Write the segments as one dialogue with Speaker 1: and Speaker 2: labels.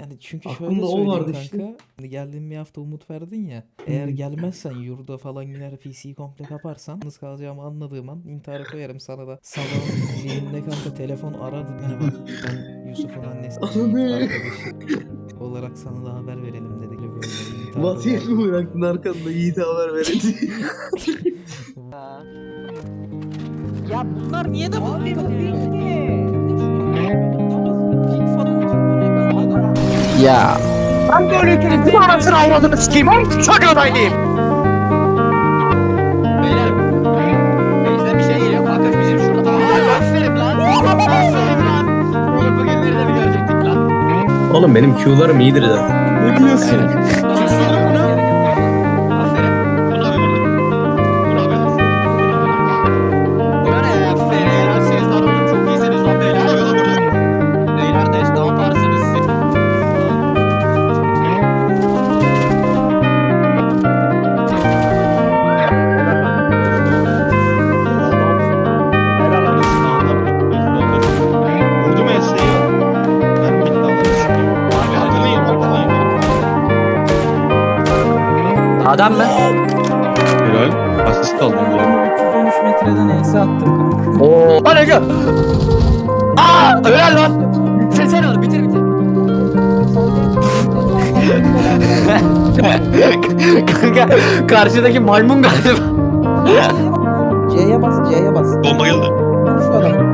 Speaker 1: Yani çünkü şöyle
Speaker 2: Aklımda o
Speaker 1: söyleyeyim
Speaker 2: vardı
Speaker 1: kanka.
Speaker 2: işte.
Speaker 1: Hani geldiğin bir hafta umut verdin ya. Eğer gelmezsen yurda falan gider PC'yi komple kaparsan yalnız kalacağımı anladığım an intihara koyarım sana da. Sabahın birinde kanka telefon aradı. Merhaba ben Yusuf'un annesi Yiğit
Speaker 2: Ananı.
Speaker 1: arkadaşı olarak sana da haber verelim dedi. Böyle intiharda
Speaker 2: Vasiyet mi
Speaker 1: verdim.
Speaker 2: bıraktın arkanda Yiğit'e haber verin diye.
Speaker 3: Ya bunlar niye de
Speaker 4: Abi bu değil ki.
Speaker 3: Ya ben böyle ülkenin bir anasını avradını sikeyim. Oğlum çocuğu dayıyım. Beyler. Bizden bir şey geliyor. Kanka bizim şurada tamam. Aferin lan. Aferin lan. Oğlum bugünleri de bir görecektik lan.
Speaker 2: Oğlum benim Q'larım iyidir zaten.
Speaker 3: Ne diyorsun? Susurdum bunu. Aferin. Buna bir vurdum. Buna bir vurdum. Buna ne ya? Aferin. Siz de adamın çok iyisiniz lan beyler. Beyler de ne yaparsınız siz?
Speaker 5: Vurdum Esra'yı. Ben bitti anladım. Abi hatırlayın.
Speaker 3: Adam mı?
Speaker 5: Helal. Asist aldım ya.
Speaker 4: 313 metreden ense attım kanka.
Speaker 3: Oo. Lan Ege. Aaa! Helal lan. Sen al bitir bitir. Kanka karşıdaki maymun galiba.
Speaker 4: C'ye bas, C'ye bas.
Speaker 5: Bomba geldi.
Speaker 4: Vur şu adamı.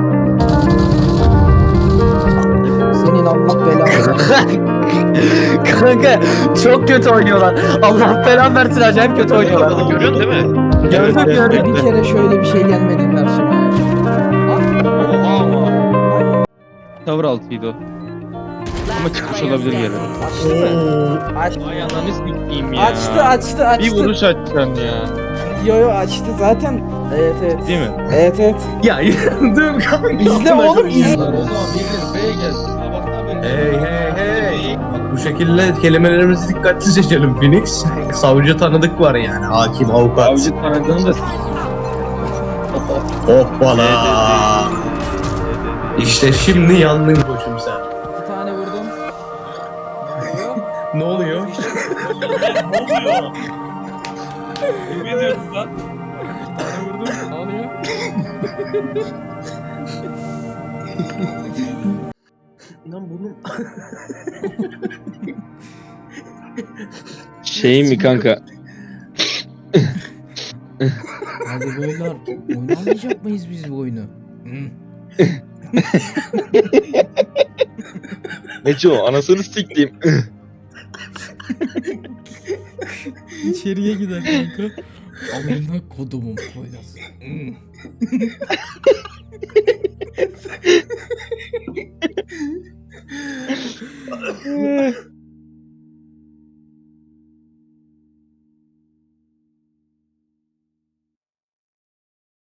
Speaker 4: Senin Allah belanı.
Speaker 3: Kanka çok kötü oynuyorlar. Allah belanı versin acayip kötü oynuyorlar.
Speaker 5: Görüyorsun değil mi?
Speaker 3: Gördüm gördüm.
Speaker 4: Bir kere şöyle bir şey gelmedi karşıma.
Speaker 5: Oha ama. Tavır altıydı o. Ama çıkmış olabilir bir yere.
Speaker 4: Açtı mı? Aç.
Speaker 5: Ay ananı sikeyim ya.
Speaker 4: Açtı.
Speaker 5: Bir vuruş açacaksın ya.
Speaker 4: Yo açtı zaten. Evet.
Speaker 5: Değil mi?
Speaker 4: Evet.
Speaker 2: Ya yürüdüm kanka.
Speaker 4: İzle oğlum izle.
Speaker 5: O zaman biriniz B'ye gelsin. Sabahtan beri.
Speaker 2: Hey. Bak, bu şekilde kelimelerimizi dikkatli seçelim Phoenix. Savcı tanıdık var yani. Hakim, avukat.
Speaker 5: Avcı tanıdığını da
Speaker 2: Hoppala. İşte şimdi yandın koçum sen.
Speaker 4: Bir tane vurdum.
Speaker 2: Ne oluyor?
Speaker 5: Ne diyorsun lan?
Speaker 4: Bir tane vurdum. Ne oluyor?
Speaker 2: Lan burnum.
Speaker 5: Şey mi kanka?
Speaker 4: Hadi beyler oynamayacak mıyız biz bu oyunu?
Speaker 5: Neco anasını siktim.
Speaker 4: İçeriye gider kanka. Amına kodumun koyası.